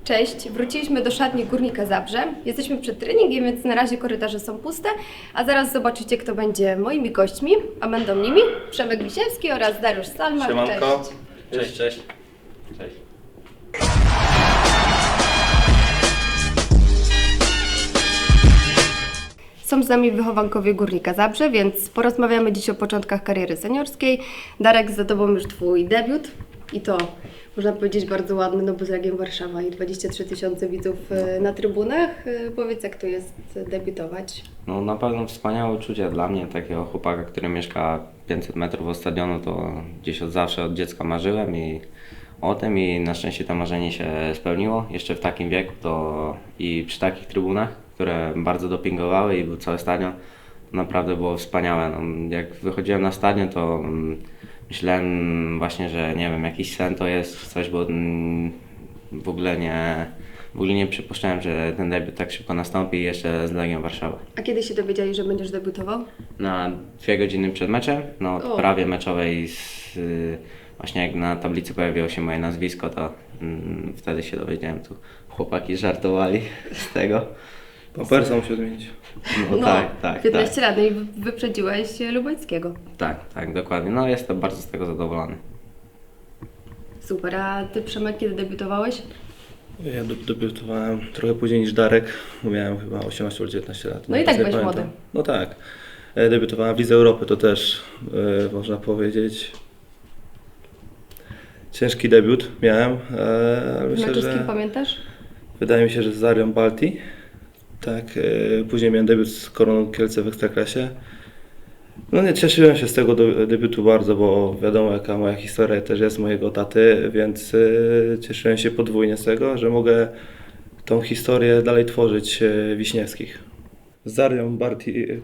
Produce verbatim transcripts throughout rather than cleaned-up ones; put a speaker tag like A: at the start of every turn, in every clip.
A: Cześć, wróciliśmy do szatni Górnika Zabrze. Jesteśmy przed treningiem, więc na razie korytarze są puste, a zaraz zobaczycie, kto będzie moimi gośćmi, a będą nimi Przemek Wisiewski oraz Dariusz Salmar.
B: Siemanko.
A: Cześć.
B: Cześć, cześć. Cześć.
A: Są z nami wychowankowie Górnika Zabrze, więc porozmawiamy dziś o początkach kariery seniorskiej. Darek, za tobą już twój debiut i to można powiedzieć bardzo ładny, no bo z Legiem Warszawa i dwadzieścia trzy tysiące widzów e, na trybunach. E, Powiedz, jak to jest debiutować?
B: No na pewno wspaniałe uczucie dla mnie, takiego chłopaka, który mieszka pięćset metrów od stadionu, to gdzieś od zawsze, od dziecka marzyłem i o tym i na szczęście to marzenie się spełniło. Jeszcze w takim wieku to i przy takich trybunach, które bardzo dopingowały i był cały stadion, to naprawdę było wspaniałe. No, jak wychodziłem na stadion, to mm, myślałem właśnie, że nie wiem, jakiś sen to jest coś, bo mm, w ogóle nie, w ogóle nie przypuszczałem, że ten debiut tak szybko nastąpi i jeszcze z Legią Warszawa.
A: A kiedy się dowiedzieli, że będziesz debiutował?
B: Na dwie godziny przed meczem, no
A: O.
B: prawie meczowej, z, y, właśnie jak na tablicy pojawiło się moje nazwisko, to mm, wtedy się dowiedziałem, tu chłopaki żartowali z tego.
C: Pampersa musiał zmienić.
B: No, tak, tak,
A: piętnaście
B: tak,
A: lat, no i wyprzedziłeś Lubańskiego.
B: tak, tak, dokładnie. No jestem bardzo z tego zadowolony.
A: Super, a ty, Przemek, kiedy debiutowałeś?
C: Ja de- debiutowałem trochę później niż Darek, bo miałem chyba osiemnaście lub dziewiętnaście lat.
A: No i
C: Nie
A: tak
C: pamiętam.
A: byłeś młody.
C: No tak. E, Debiutowałem w Lidze Europy, to też e, można powiedzieć ciężki debiut miałem, e, ale myślę,
A: Meczu z kim
C: że
A: pamiętasz?
C: wydaje mi się, że z Zarią Balti. Tak, e, później miałem debiut z Koroną Kielce w Ekstraklasie. No nie, cieszyłem się z tego do, debiutu bardzo, bo wiadomo jaka moja historia też jest mojego taty, więc y, cieszyłem się podwójnie z tego, że mogę tą historię dalej tworzyć y, Wiśniewskich. Z Zarią Barti... y,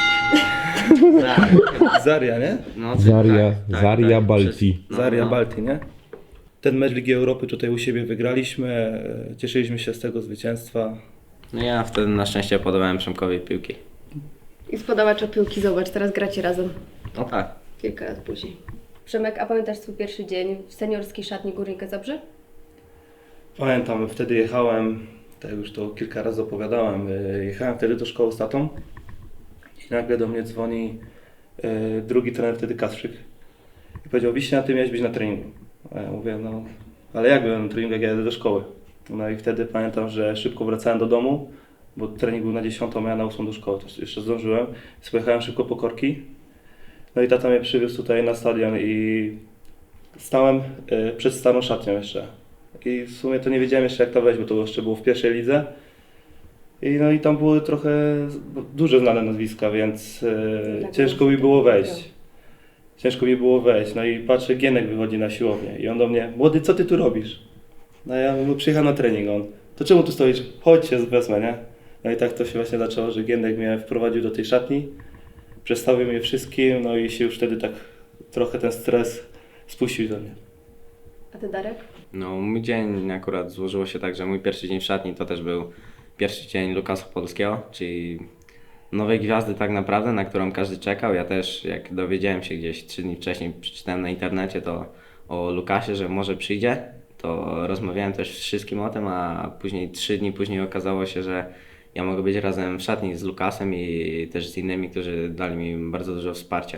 C: kurwa. Zaria, nie?
B: No,
D: Zaria,
B: tak, tak,
D: Zaria
B: tak,
D: Balti.
B: przez- no,
C: Zaria
B: no.
C: Balti, nie? Ten mecz Ligi Europy tutaj u siebie wygraliśmy, y, cieszyliśmy się z tego zwycięstwa.
B: No ja wtedy na szczęście podawałem Przemkowi piłki.
A: I z podawacza piłki, zobacz, teraz gracie razem.
B: No tak.
A: Kilka lat później. Przemek, a pamiętasz swój pierwszy dzień w seniorskiej szatni Górnika Zabrze?
C: Pamiętam, wtedy jechałem, tak już to kilka razy opowiadałem, y, jechałem wtedy do szkoły z tatą i nagle do mnie dzwoni y, drugi trener wtedy Kasprzyk i powiedział: Wiśnia, ty miałeś być na treningu. A ja mówię: no ale jak byłem na treningu, jak ja jadę do szkoły? No i wtedy pamiętam, że szybko wracałem do domu, bo trening był na dziesiątą, a ja na ósmą do szkoły, to jeszcze zdążyłem, więc pojechałem szybko po korki. No i tata mnie przywiózł tutaj na stadion i stałem y, przed starą szatnią jeszcze. I w sumie to nie wiedziałem jeszcze jak to wejść, bo to jeszcze było w pierwszej lidze. I no i tam były trochę no, duże znane nazwiska, więc e,
A: Tak,
C: ciężko
A: no,
C: mi było
A: tak,
C: wejść. Ciężko mi było wejść. No i patrzę, Gienek wychodzi na siłownię i on do mnie: młody, co ty tu robisz? No ja mówię: przyjechałem na trening. On: to czemu tu stoisz? Chodź się wezmę, nie? No i tak to się właśnie zaczęło, że Gienek mnie wprowadził do tej szatni, przedstawił mnie wszystkim, no i się już wtedy tak trochę ten stres spuścił do mnie.
A: A ty, Darek?
B: No mój dzień akurat złożyło się tak, że mój pierwszy dzień w szatni to też był pierwszy dzień Lukasa Podolskiego, czyli nowej gwiazdy tak naprawdę, na którą każdy czekał. Ja też jak dowiedziałem się gdzieś trzy dni wcześniej, przeczytałem na internecie to o Lukasie, że może przyjdzie, to rozmawiałem też z wszystkim o tym, a później trzy dni później okazało się, że ja mogę być razem w szatni z Lukasem i też z innymi, którzy dali mi bardzo dużo wsparcia.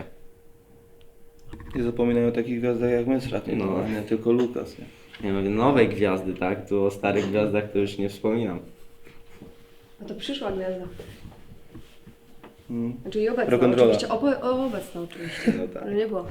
C: Nie zapominaj o takich gwiazdach jak my z szatni, no,
B: No.
C: a nie tylko Lukas. Nie?
B: Nie mówię nowej gwiazdy, tak? Tu o starych gwiazdach to już nie wspominam.
A: A to przyszła gwiazda.
C: Mm.
A: Znaczy i obecna,
C: Rock'n'rolla.
A: oczywiście. Obo- o, obecna oczywiście,
C: No tak.
A: ale nie było.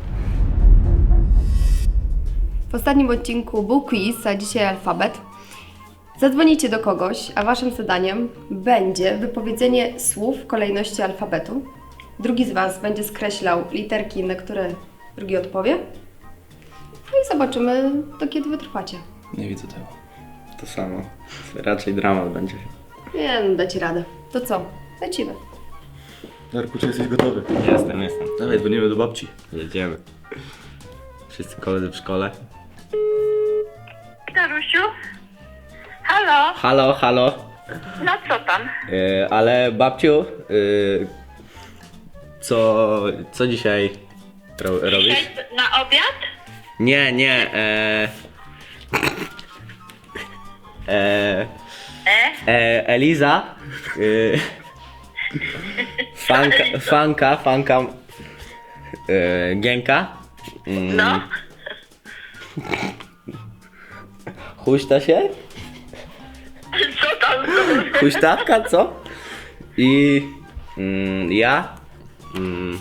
A: W ostatnim odcinku był quiz, a dzisiaj alfabet. Zadzwonicie do kogoś, a waszym zadaniem będzie wypowiedzenie słów w kolejności alfabetu. Drugi z was będzie skreślał literki, na które drugi odpowie. No i zobaczymy, do kiedy wytrwacie.
C: Nie widzę tego.
B: To samo. Raczej dramat będzie.
A: Nie, no dacie radę. To co? Lecimy.
C: Darku, czy jesteś gotowy?
B: Jestem, jestem.
C: Dawaj, dzwonimy do babci.
B: Jedziemy. Wszyscy koledzy w szkole.
E: Darusiu? Halo?
B: Halo, halo.
E: No co tam?
B: Yy, ale babciu, yy, co, co dzisiaj ro, robisz?
E: Dzisiaj na obiad?
B: Nie, nie. E... E,
E: E?
B: e, Eliza. Y, fanka, fanka, fanka. Y, Gienka. Mm,
E: No?
B: Huśta się?
E: Co tam?
B: Huśtawka, co? I mm, ja. Mm,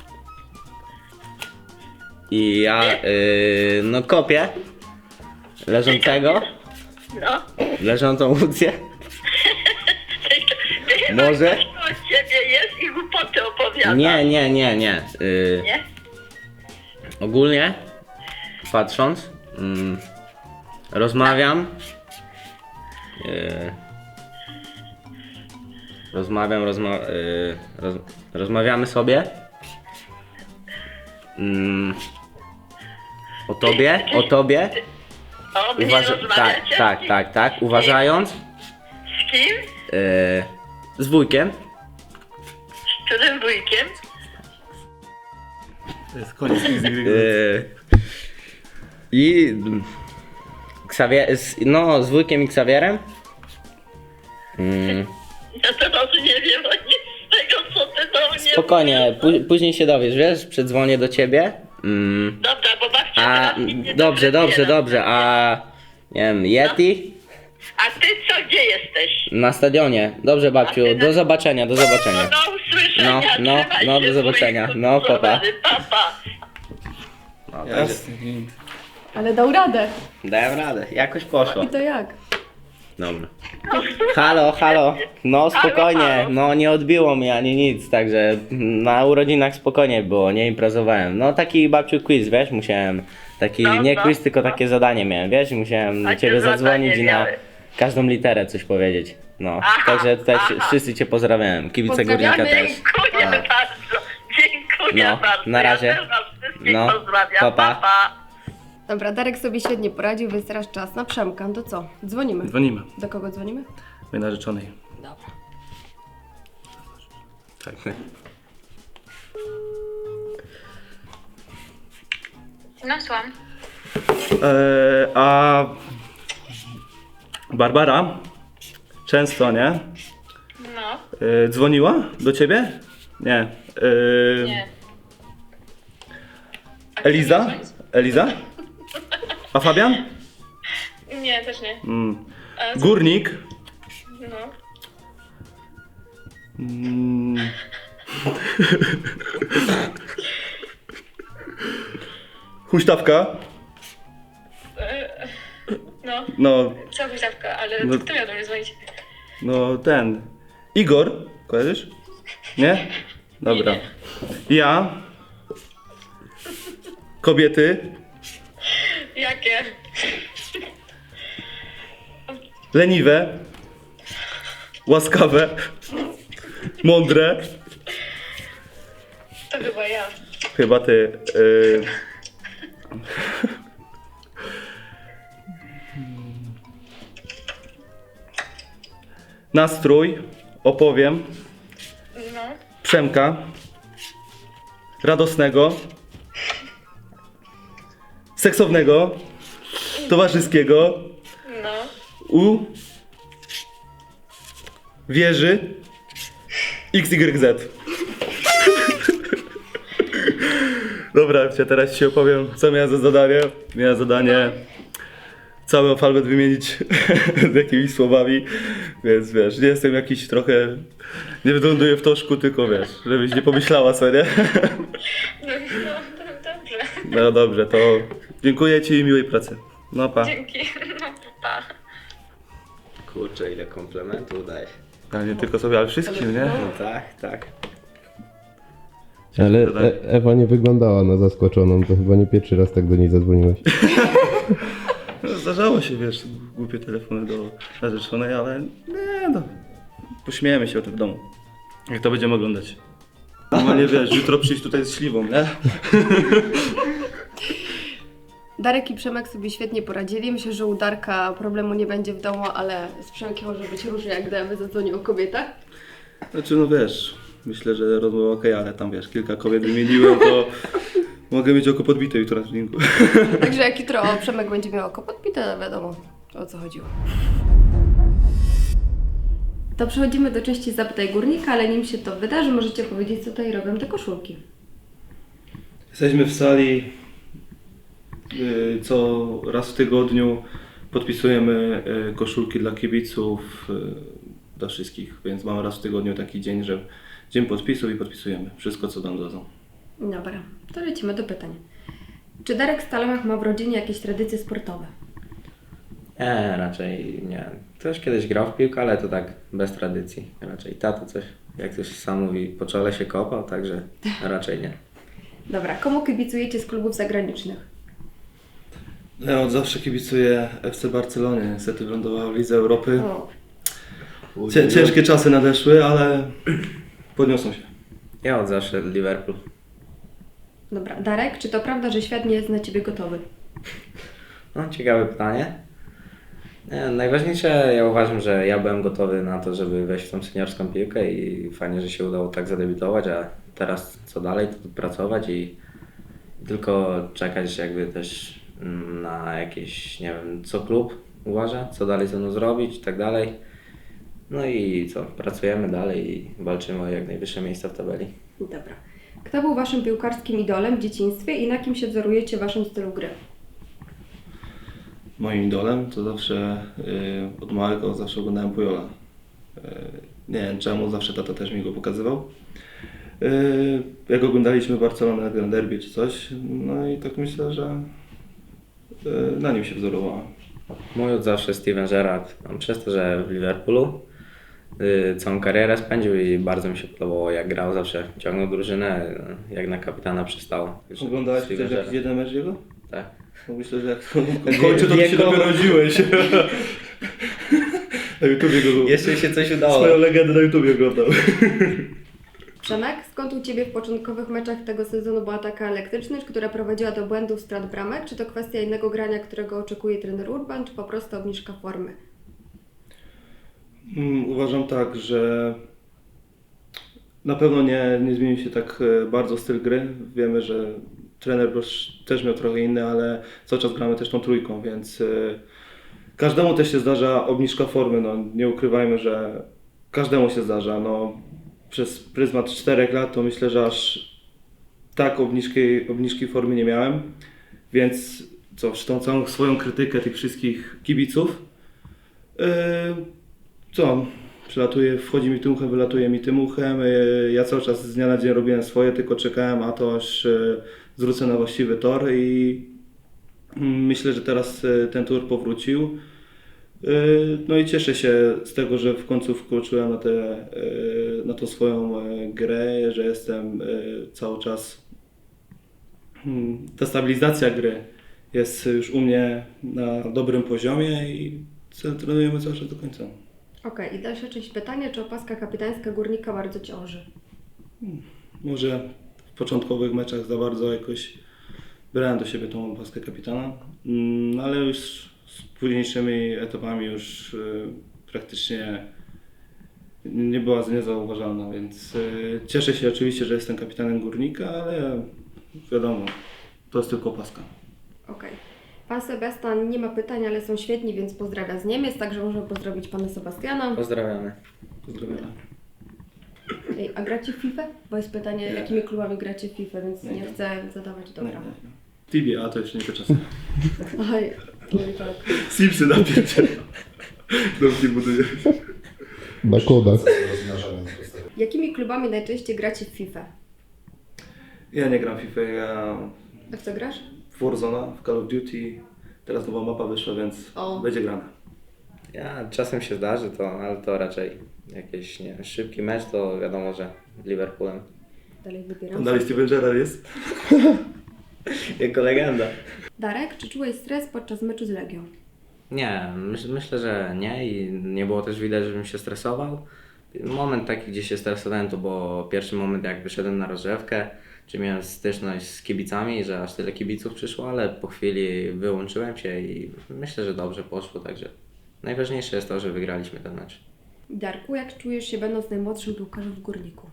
B: I ja, y, no kopię leżącego,
E: No?
B: leżącą Łucję. Może?
E: Od ciebie jest i głupoty opowiada.
B: Nie, nie, nie, nie. Y,
E: Nie?
B: ogólnie patrząc, mm, rozmawiam. Y, rozmawiam, rozma y, roz rozmawiamy sobie. Mm, o tobie, o tobie.
E: O mnie
B: Uważa tak,
E: rozmawiacie?
B: tak, tak, tak. Uważając.
E: Z kim?
B: Y, z wujkiem.
E: Z którym wujkiem?
C: To jest koniec Easy Green.
B: Y, I Xavier, z, no z wujkiem i Xavierem. Mm,
E: Ja teraz nie wiem o nic z tego, co ty do mnie
B: spokojnie, pó- później się dowiesz, wiesz, przedzwonię do ciebie. Mm,
E: Dobra, bo babcia
B: a
E: teraz nic nie
B: dobrze, dobrze,
E: dowiera.
B: dobrze, a nie wiem, Yeti
E: A ty co, gdzie jesteś?
B: na stadionie. Dobrze, babciu, do zobaczenia, do
E: No,
B: zobaczenia.
E: no usłyszenia,
B: No, no,
E: trzymaj
B: no,
E: się,
B: do zobaczenia.
E: wujku,
B: No, pa, pa.
E: papa.
C: Jasne.
A: Ale dał radę.
B: Dałem radę, jakoś poszło.
A: I to jak?
B: Dobra. Halo, halo. No spokojnie,
E: halo.
B: no nie odbiło mnie ani nic, także na urodzinach spokojnie było, nie imprezowałem. No taki babciu quiz, wiesz, musiałem, taki
E: No,
B: nie
E: no,
B: quiz, tylko
E: no.
B: takie zadanie miałem, wiesz, i musiałem do
E: Takie
B: ciebie
E: zadanie
B: zadzwonić i na
E: miałeś.
B: każdą literę coś powiedzieć. No,
E: Aha,
B: także tutaj
E: aha.
B: wszyscy cię pozdrawiam, kibice
A: Pozdrawiamy.
B: Górnika też.
E: Dziękuję
B: Tak.
E: bardzo, dziękuję
B: No,
E: bardzo.
B: na razie.
E: Ja też was wszystkich
B: No,
E: pozdrawiam,
B: pa, pa.
E: pa, pa.
A: Dobra, Darek sobie świetnie poradził, więc teraz czas na Przemka. No to co? Dzwonimy.
C: Dzwonimy.
A: Do kogo dzwonimy?
C: Mojej narzeczonej.
A: Dobra.
B: Tak.
E: No słucham.
C: E, a Barbara często, nie?
E: No,
C: E, dzwoniła do ciebie? Nie. E,
E: nie.
C: Eliza? Eliza? A Fabian?
E: Nie, też nie.
C: Mm.
E: A co-
C: Górnik?
E: No.
C: Mm. Huśtawka?
E: No,
C: No,
E: co huśtawka, ale
C: No-
E: kto miał do mnie dzwonić?
C: no ten. Igor? Kojarzysz? Nie? Dobra. Ja. Kobiety.
E: Jakie?
C: Leniwe. Łaskawe. Mądre.
E: To chyba ja.
C: Chyba ty. Y... Nastrój. Opowiem.
E: No.
C: Przemka. Radosnego. Seksownego. Towarzyskiego.
E: No.
C: U. Wieży. X Y Z. Dobra, ja teraz ci opowiem, co miałem za zadanie. Miałem zadanie cały alfabet wymienić z jakimiś słowami, więc wiesz, nie jestem jakiś trochę, nie wyląduję w toszku, tylko wiesz, żebyś nie pomyślała co, nie?
E: No, no, to dobrze.
C: No dobrze, to dziękuję ci i miłej pracy. No pa.
E: Dzięki. No, pa.
B: Kurczę, ile komplementów dajesz.
C: Ale nie tylko sobie, ale wszystkim, nie?
B: No tak, tak.
D: Ale
C: zadanie.
D: e Ewa nie wyglądała na zaskoczoną, to chyba nie pierwszy raz tak do niej zadzwoniłeś.
C: No, zdarzało się, wiesz, głupie telefony do narzeczonej, ale nie no, pośmiejemy się o tym w domu. Jak to będziemy oglądać. No nie wiesz, jutro przyjść tutaj z śliwą, nie?
A: Darek i Przemek sobie świetnie poradzili. Myślę, że u Darka problemu nie będzie w domu, ale z Przemkiem może być różnie, jak gdyby zadzwonił o kobietach.
C: Znaczy no wiesz, myślę, że rozmowa okej, ale tam wiesz, kilka kobiet wymieniłem, to mogę mieć oko podbite jutro na treningu.
A: Także jak jutro Przemek będzie miał oko podbite, to wiadomo o co chodziło. To przechodzimy do części Zapytaj Górnika, ale nim się to wydarzy, możecie powiedzieć, co tutaj robią te koszulki.
C: Jesteśmy w sali, y, co raz w tygodniu podpisujemy y, koszulki dla kibiców, y, dla wszystkich, więc mamy raz w tygodniu taki dzień, że dzień podpisów i podpisujemy wszystko, co nam dadzą.
A: Dobra, to lecimy do pytań. Czy Darek Stalomiak ma w rodzinie jakieś tradycje sportowe?
B: Nie, raczej nie. Ktoś kiedyś grał w piłkę, ale to tak bez tradycji. Raczej tato coś, jak to się sam mówi, po czole się kopał, także raczej nie.
A: Dobra, komu kibicujecie z klubów zagranicznych?
C: Ja od zawsze kibicuję F C Barcelonie, niestety wylądowała w Lidze Europy.
A: O,
C: Cię, ciężkie czasy nadeszły, ale podniosą się.
B: Ja od zawsze Liverpool.
A: dobra. Darek, czy to prawda, że świat nie jest na Ciebie gotowy?
B: No, ciekawe pytanie. Nie, najważniejsze, ja uważam, że ja byłem gotowy na to, żeby wejść w tą seniorską piłkę i fajnie, że się udało tak zadebiutować, a teraz co dalej, to pracować i tylko czekać jakby też mm, na jakieś, nie wiem, co klub uważa, co dalej ze mną zrobić i tak dalej. No i co, pracujemy dalej i walczymy o jak najwyższe miejsca w tabeli.
A: Dobra. Kto był Waszym piłkarskim idolem w dzieciństwie i na kim się wzorujecie w Waszym stylu gry?
C: Moim idolem to zawsze y, od małego zawsze oglądałem Pujola. Y, nie wiem czemu, zawsze tata też mi go pokazywał. Y, jak oglądaliśmy Barcelonę na Grand Derby czy coś, no i tak myślę, że y, na nim się wzorowałem.
B: Mój od zawsze Steven Gerrard, on przez to, że w Liverpoolu y, całą karierę spędził i bardzo mi się podobało jak grał, zawsze ciągnął drużynę, y, jak na kapitana przystało. Także
C: Oglądałeś
B: Steven
C: też jakiś
B: Gerrard.
C: jeden mecz jego?
B: Tak.
C: No myślę, że jak w końcu to ty się
B: Wiekowo.
C: dopiero rodziłeś. Na YouTubie go
B: Jeszcze się coś udało.
C: swoją legendę na YouTubie oglądał.
A: Przemek, skąd u Ciebie w początkowych meczach tego sezonu była taka elektryczność, która prowadziła do błędów, strat bramek? Czy to kwestia innego grania, którego oczekuje trener Urban, czy po prostu obniżka formy?
C: Mm, Uważam tak, że na pewno nie, nie zmienił się tak e, bardzo styl gry. Wiemy, że trener Brosz też miał trochę inny, ale cały czas gramy też tą trójką, więc e, każdemu też się zdarza obniżka formy. No, nie ukrywajmy, że każdemu się zdarza. No, przez pryzmat czterech lat to myślę, że aż tak obniżki, obniżki formy nie miałem, więc co, tą całą swoją krytykę tych wszystkich kibiców, yy, co, przylatuje, wchodzi mi tym uchem, wylatuje mi tym uchem, yy, ja cały czas z dnia na dzień robiłem swoje, tylko czekałem, a to aż yy, zwrócę na właściwy tor i yy, myślę, że teraz yy, ten tor powrócił. Yy, No i cieszę się z tego, że w końcu wkroczyłem na, te, yy, na tą swoją yy, grę, że jestem yy, cały czas. Hmm, Ta stabilizacja gry jest już u mnie na dobrym poziomie i co- trenujemy cały czas do końca.
A: Okej, i dalsza część pytania, czy opaska kapitańska Górnika bardzo ciąży?
C: Może w początkowych meczach za bardzo jakoś brałem do siebie tą opaskę kapitana, mm, ale już z późniejszymi etapami już y, praktycznie nie była niezauważalna, więc y, cieszę się oczywiście, że jestem kapitanem Górnika, ale wiadomo, to jest tylko opaska.
A: Okej. Pan Sebastian nie ma pytań, ale są świetni, więc pozdrawia z Niemiec, także możemy pozdrowić Pana Sebastiana.
B: Pozdrawiamy.
C: Pozdrawiam.
A: Ej, a gracie w FIFA? Bo jest pytanie,
C: Nie.
A: jakimi klubami gracie w FIFA, więc nie,
C: Nie.
A: chcę zadawać. Dobra.
C: Nie, nie, nie. Tibia, a to jeszcze nie te czasy.
A: Oj, no i tak.
C: Simsy napierdziel. Dobrze buduje.
D: Na kodach.
A: Jakimi klubami najczęściej gracie w FIFA?
C: Ja nie gram w FIFA, ja
A: A w co grasz?
C: w Warzone, w Call of Duty. Teraz nowa mapa wyszła, więc
A: O.
C: będzie grana.
B: Ja czasem się zdarzy to, ale to raczej jakiś nie wiem, szybki mecz, to wiadomo, że Liverpoolem.
A: Dalej wybieram.
C: Tam dalej Steven Gerrard jest?
B: Jako legenda.
A: Darek, czy czułeś stres podczas meczu z Legią?
B: Nie, myśl, myślę, że nie i nie było też widać, żebym się stresował. Moment taki, gdzie się stresowałem, to był pierwszy moment, jak wyszedłem na rozgrzewkę, czy miałem styczność z kibicami, że aż tyle kibiców przyszło, ale po chwili wyłączyłem się i myślę, że dobrze poszło, także najważniejsze jest to, że wygraliśmy ten mecz.
A: Darku, jak czujesz się będąc najmłodszym piłkarzem w Górniku?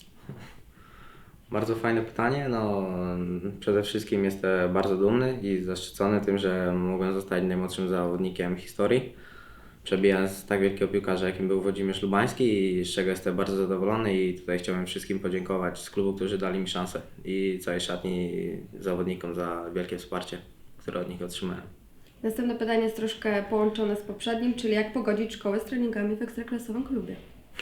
B: Bardzo fajne pytanie. No, przede wszystkim jestem bardzo dumny i zaszczycony tym, że mogłem zostać najmłodszym zawodnikiem historii. przebija z tak wielkiego piłkarza, jakim był Włodzimierz Lubański i z czego jestem bardzo zadowolony i tutaj chciałbym wszystkim podziękować z klubu, którzy dali mi szansę i całej szatni i zawodnikom za wielkie wsparcie, które od nich otrzymałem.
A: Następne pytanie jest troszkę połączone z poprzednim, czyli jak pogodzić szkołę z treningami w ekstraklasowym klubie?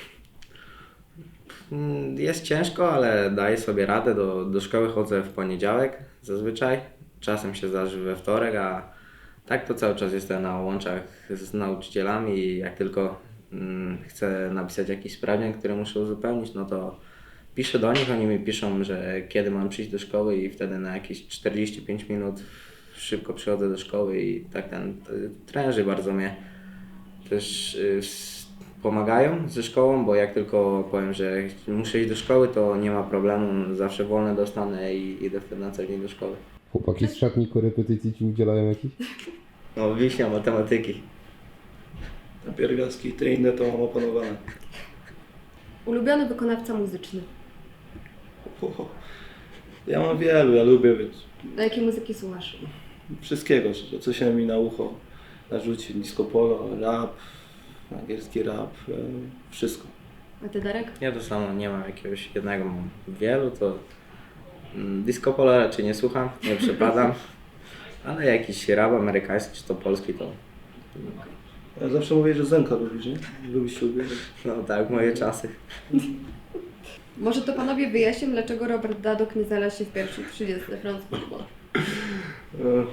B: Mm, Jest ciężko, ale daję sobie radę. Do, do szkoły chodzę w poniedziałek zazwyczaj. Czasem się zdarzy we wtorek, a tak to cały czas jestem na łączach z nauczycielami i jak tylko mm, chcę napisać jakiś sprawdzian, który muszę uzupełnić, no to piszę do nich, oni mi piszą, że kiedy mam przyjść do szkoły i wtedy na jakieś czterdzieści pięć minut szybko przychodzę do szkoły i tak ten t- trenerzy bardzo mnie też y, s- pomagają ze szkołą, bo jak tylko powiem, że muszę iść do szkoły, to nie ma problemu, zawsze wolne dostanę i idę wtedy na co dzień do szkoły.
D: Chłopaki z szatni korepetycji ci udzielają jakichś?
B: No, wiśnia matematyki.
C: Na pierwiastki, te inne to mam opanowane.
A: Ulubiony wykonawca muzyczny.
C: Ho, ja mam wielu, ja lubię więc
A: Do jakiej muzyki słuchasz?
C: wszystkiego, co się mi na ucho narzuci. Disco polo, rap, angielski rap, e, wszystko.
A: A ty, Darek?
B: Ja to samo, nie mam jakiegoś jednego, mam wielu, to mm, disco polo raczej nie słucham, nie przepadam, ale jakiś rap amerykański czy to polski to
C: Ja zawsze mówię, że Zenka lubisz, nie? Lubisz się ubierać.
B: no tak, moje czasy.
A: Może to panowie wyjaśnią, dlaczego Robert Dadok nie znalazł się w pierwszym trzydziestce France Football.
C: E.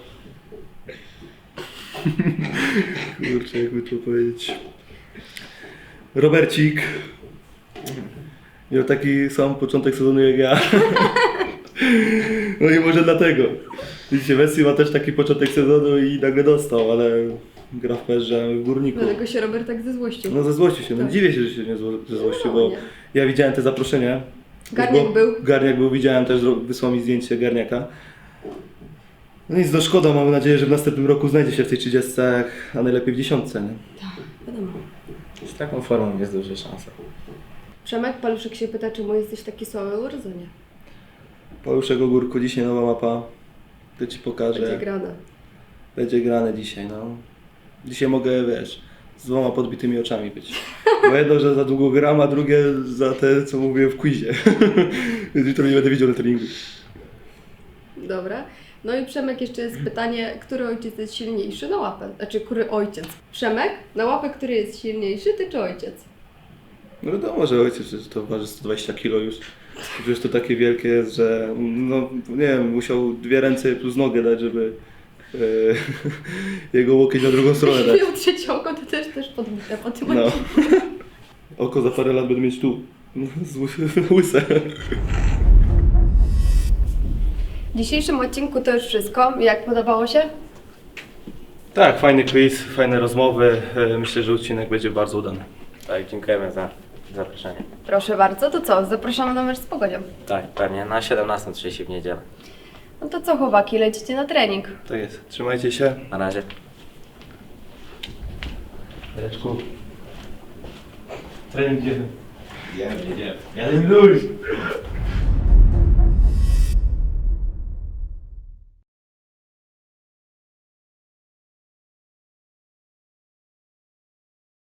C: Kurczę, jakby to powiedzieć. Robercik miał taki sam początek sezonu jak ja. No i może dlatego. Widzicie, Messi ma też taki początek sezonu i nagle dostał, ale gra w Perze w Górniku.
A: Dlatego się Robert tak zezłościł.
C: No ze złości się, no
A: Tak.
C: dziwię się, że się nie zło- ze złości,
A: No,
C: bo
A: nie.
C: ja widziałem te zaproszenia.
A: Garniak
C: Bo-
A: był.
C: Garniak był, widziałem też, zro- wysłał mi zdjęcie Garniaka. No nic, no szkoda, mam nadzieję, że w następnym roku znajdzie się w tej trzydziestce, a najlepiej w dziesiątce, nie?
A: Wiadomo.
B: Z taką formą jest duża szansa.
A: Przemek Paluszek się pyta, czemu jesteś taki słaby w urodzenie.
C: Paluszek Ogórku, dzisiaj nowa mapa. To ci pokażę.
A: Będzie grane.
C: Będzie grane dzisiaj, no. Dzisiaj mogę, wiesz, z dwoma podbitymi oczami być. Bo jedno, że za długo gram, a drugie za te, co mówiłem w quizie. Więc jutro nie będę widział na treningu.
A: Dobra. No i Przemek, jeszcze jest pytanie, który ojciec jest silniejszy na łapę? Znaczy, który ojciec? Przemek, na łapę, który jest silniejszy, ty czy ojciec?
C: No wiadomo, że ojciec przecież to waży sto dwadzieścia kilo już. Przecież to takie wielkie jest, że no nie wiem, musiał dwie ręce plus nogę dać, żeby e, jego łokieć na drugą stronę dać.
A: Miał trzecie oko, to też też podbite po tym
C: No.
A: odcinku.
C: Oko za parę lat będę mieć tu. Z ły- łyse.
A: W dzisiejszym odcinku to już wszystko. Jak podobało się?
C: Tak, fajny quiz, fajne rozmowy. E, Myślę, że odcinek będzie bardzo udany.
B: Tak, dziękujemy za zaproszenie.
A: Proszę bardzo, to co? Zapraszamy na mecz z Pogodzią.
B: Tak, pewnie na siedemnastą trzydzieści w niedzielę.
A: No to co, chłopaki, lecicie na trening.
C: Tak jest. Trzymajcie się.
B: Na razie.
C: Jareczku. Trening idziemy. Idziemy, idziemy. Jeden już.